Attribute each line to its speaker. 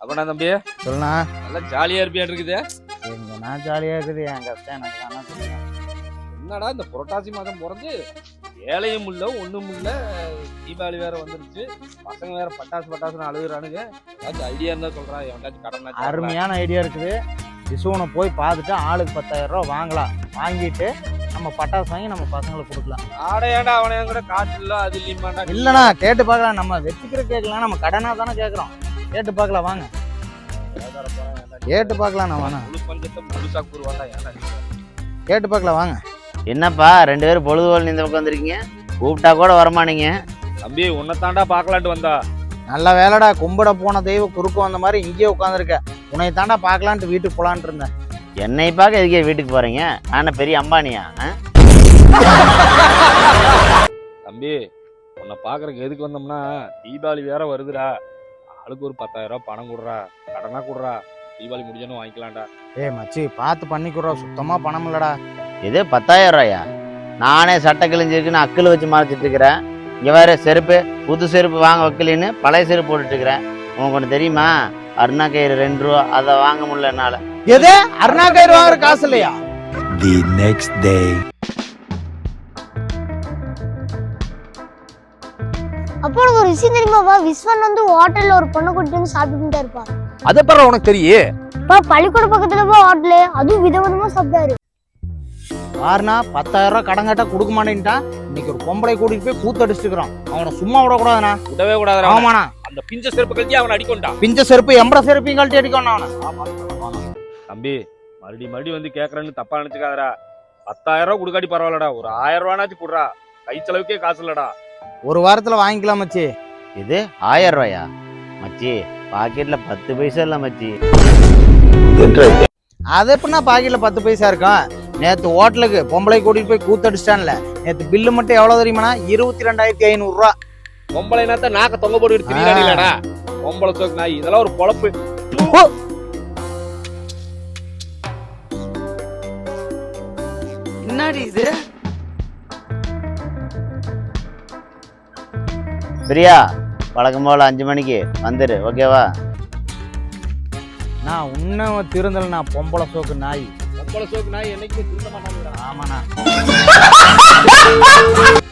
Speaker 1: அப்பனா தம்பி
Speaker 2: சொல்லுண்ணா.
Speaker 1: நல்லா ஜாலியா இருப்பியா இருக்குது.
Speaker 2: எங்க நான் ஜாலியா இருக்குது, என் கஷ்டம் எனக்கு தானே தெரியும்.
Speaker 1: என்னடா இந்த புரட்டாசி மாதம் பிறந்து வேலையும் இல்ல ஒண்ணும் இல்ல, தீபாவளி வேற வந்துருச்சு, பசங்க வேற பட்டாசுன்னு அழுகுறானுங்க. ஏதாச்சும் ஐடியா இருந்தா சொல்றா, எவனாச்சும் கடன்.
Speaker 2: அருமையான ஐடியா இருக்குது. விசுவனை போய் பார்த்துட்டு ஆளுக்கு 10,000 ரூபா வாங்கலாம். வாங்கிட்டு நம்ம பட்டாசு வாங்கி நம்ம பசங்களுக்கு கொடுக்கலாம்.
Speaker 1: ஆடையாண்டா அவனை கூட காசு இல்ல அது இல்லையுமாண்டா.
Speaker 2: இல்லைண்ணா கேட்டு பார்க்கலாம். நம்ம வச்சுக்கிற கேட்கலாம், நம்ம கடனா தானே கேட்குறோம். கேட்டு பார்க்கலாம் வாங்க, கேட்டு பார்க்கலாம். நான் வாங்க
Speaker 1: முழு பஞ்சத்தை முழுசா கூறுவாண்டா. ஏன்னா
Speaker 2: கேட்டு பார்க்கலாம் வாங்க.
Speaker 3: என்னப்பா 2 பேரும் பொழுதுபோல் இந்த பக்கம் வந்திருக்கீங்க, கூப்பிட்டா கூட வரமானீங்க.
Speaker 1: தம்பி உன்னை தாண்டா பார்க்கலான்ட்டு வந்தா.
Speaker 2: நல்ல வேலைடா, கும்பிட போன தெய்வம் குறுக்க வந்த மாதிரி இங்கேயே உட்காந்துருக்க. உன்னை தாண்டா பார்க்கலான்ட்டு வீட்டுக்கு போலான்ட்டு இருந்தேன்.
Speaker 3: என்னை பார்க்க எதுக்கே வீட்டுக்கு போறீங்க? நான் பெரிய அம்பானியா?
Speaker 1: தம்பி உன்னை பாக்குறதுக்கு எதுக்கு வந்தோம்னா, தீபாவளி வேற வருதுடா, ஆளுக்கு ஒரு 10,000 ரூபாய் பணம் கொடுறா, கடனா கொடுறா, தீபாவளி முடிஞ்சோன்னு வாங்கிக்கலாம்டா.
Speaker 2: மச்சி பார்த்து பண்ணிக்கிறோம், சுத்தமா பணம் இல்லடா.
Speaker 3: இது 10,000 ரூபாயா? நானே சட்டை கிழிஞ்சிருக்குன்னு அக்கில் வச்சு மறைச்சிட்டு இருக்கிறேன். இங்க வேற செருப்பு, புது செருப்பு வாங்க வைக்கலின்னு பழைய செருப்பு போட்டுட்டு இருக்கிறேன். உங்களுக்கு ஒன்று தெரியுமா? அருணா கயிறு 2 ரூபா, அதை வாங்க முடியல என்னால.
Speaker 2: எது அருணா கயிறு வாங்குற காசு இல்லையா?
Speaker 4: The next day.
Speaker 5: அப்போ உனக்கு ஒரு விஷயம் தெரியுமாப்பா? விஸ்வன் வந்து ஹோட்டல்ல ஒரு பொண்ணை கூட்டிட்டு வந்து சாப்பிட்டுட்டே இருப்பா.
Speaker 6: அதை பரவ உனக்கு தெரியும்.
Speaker 5: பள்ளிக்கூட பக்கத்துல போய் ஹோட்டலு, அதுவும் விதவிதமா சாப்பிட்டாரு.
Speaker 2: யாருனா 10,000 ரூபாய் கடன் கேட்டா கொடுக்க மாட்டேன்ட்டான். இன்னைக்கு ஒரு பொம்பளை கூட்டிட்டு போய் கூத்தடிச்சுட்டு இருக்கிறோம். அவனை சும்மா விடக்கூடாதுண்ணா.
Speaker 1: விடவே கூடாது.
Speaker 2: ஆமாண்ணா,
Speaker 1: அந்த பிஞ்ச செருப்பு கழட்டி அவனை அடிக்கொண்டா.
Speaker 2: பிஞ்ச செருப்பு எம்பட செருப்பையும் கழட்டி அடிக்கணும் அவனை.
Speaker 1: தம்பி மறுபடி வந்து கேட்கறேன்னு தப்பா நினைச்சுக்காதடா. 10,000 ரூபாய் கொடுக்காட்டி பரவாயில்லடா, ஒரு 1000 ரூபானாச்சும் கொடுறா, கை செலவுக்கே காசு இல்லடா.
Speaker 2: ஒரு வாரத்துல வாங்கிக்கலாம் மச்சி.
Speaker 3: இது 1000 ரூபாயா? மச்சி பாக்கெட்ல 10 பைசா இல்ல மச்சி.
Speaker 2: அது எப்படின்னா பாக்கெட்ல 10 பைசா இருக்கும்? நேத்து ஹோட்டலுக்கு பொம்பளை கூட்டிட்டு போய் கூத்தடிச்சிட்டான்ல, நேத்து பில்லு மட்டும் எவ்வளவு தெரியுமாண்ணா? 22,500 ரூபா.
Speaker 1: பொம்பளை நேரத்தை நாக்க தொங்க போட்டு திரியாடா. பொம்பளை சோக்கு நாய், இதெல்லாம் ஒரு பொழப்பு.
Speaker 6: என்னடி இது?
Speaker 3: பிரியா, வழக்கம் போல 5 மணிக்கு வந்துரு, ஓகேவா?
Speaker 2: நான் உன்ன திருந்தலண்ணா, பொம்பளை சோக்கு நாய்.
Speaker 1: பொம்பளை சோக்கு நாய் என்னைக்கு திருந்த மாட்டாங்க.
Speaker 2: ஆமாண்ணா.